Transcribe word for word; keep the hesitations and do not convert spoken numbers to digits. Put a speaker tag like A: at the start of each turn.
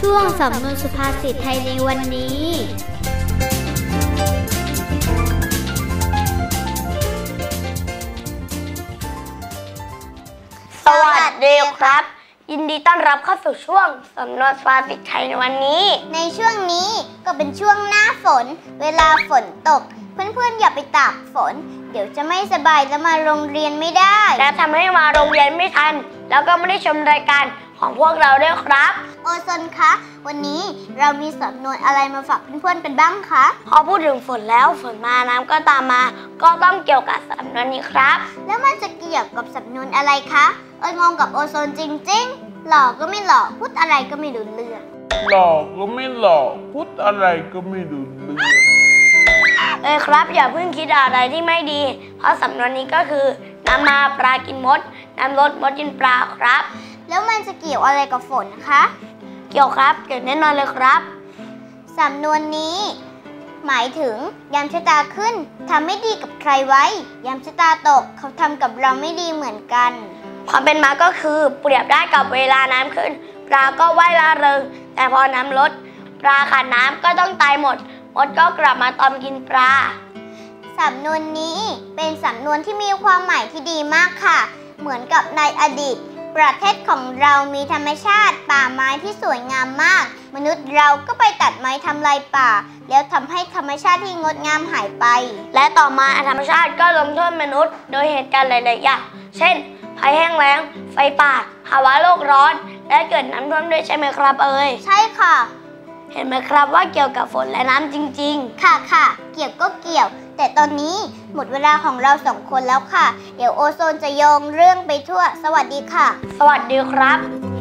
A: ช่วงสำนวนสุภาษิตไทยในวันนี้
B: สวัสดีครับยินดีต้อนรับเข้าสู่ช่วงสำนวนสุภาษิตไทยในวันนี้
C: ในช่วงนี้ก็เป็นช่วงหน้าฝนเวลาฝนตกเพื่อนๆอย่าไปตากฝนเดี๋ยวจะไม่สบายและมาโรงเรียนไม่ได้
B: และทำให้มาโรงเรียนไม่ทันแล้วก็ไม่ได้ชมรายการของพวกเราด้วยครับ
C: โอซนคะวันนี้เรามีสำนวนอะไรมาฝากเพื่อนๆกันบ้างคะ
B: พอพูดถึงฝนแล้วฝนมาน้ำก็ตามมาก็ต้องเกี่ยวกับสำนวนนี้ครับ
C: แล้วมันจะเกี่ยวกับสำนวนอะไรคะเอยงงกับโอโซนจริงๆหล่อก็ไม่หล่อพูดอะไรก็ไม่รู้เรื่อง
D: หล่อก็ไม่หล่อพูดอะไรก็ไม่รู้เรื่อง
B: เอ้ยครับอย่าเพิ่งคิดอะไรที่ไม่ดีเพราะสำนวนนี้ก็คือน้ำมาปลากินมดน้ำลดมดกินปลาครับ
C: แล้วมันจะเกี่ยวอะไรกับฝนคะ
B: เกี่ยวครับเกี่ยวแน่นอนเลยครับ
C: สำนวนนี้หมายถึงยามชะตาขึ้นทำไม่ดีกับใครไว้ยามชะตาตกเขาทำกับเราไม่ดีเหมือนกัน
B: ความเป็นมาก็คือเปรียบได้กับเวลาน้ำขึ้นปลาก็ว่ายร่าเริงแต่พอน้ำลดปลาขาดน้ำก็ต้องตายหมดมดก็กลับมาตอมกินปลา
C: สำนวนนี้เป็นสำนวนที่มีความหมายที่ดีมากค่ะเหมือนกับในอดีตประเทศของเรามีธรรมชาติป่าไม้ที่สวยงามมากมนุษย์เราก็ไปตัดไม้ทำลายป่าแล้วทำให้ธรรมชาติที่งดงามหายไป
B: และต่อมาธรรมชาติก็ลงโทษมนุษย์โดยเหตุการณ์หลายๆอย่างเช่นภัยแห้งแล้งไฟป่าภาวะโลกร้อนและเกิดน้ำท่วมด้วยใช่ไหมครับเอ่ย
C: ใช่ค่ะ
B: เห็นไหมครับว่าเกี่ยวกับฝนและน้ำจริง
C: ๆค่ะค่ะเกี่ยวก็เกี่ยวแต่ตอนนี้หมดเวลาของเราสองคนแล้วค่ะเดี๋ยวโอโซนจะโยงเรื่องไปทั่วสวัสดีค่ะ
B: สวัสดีครับ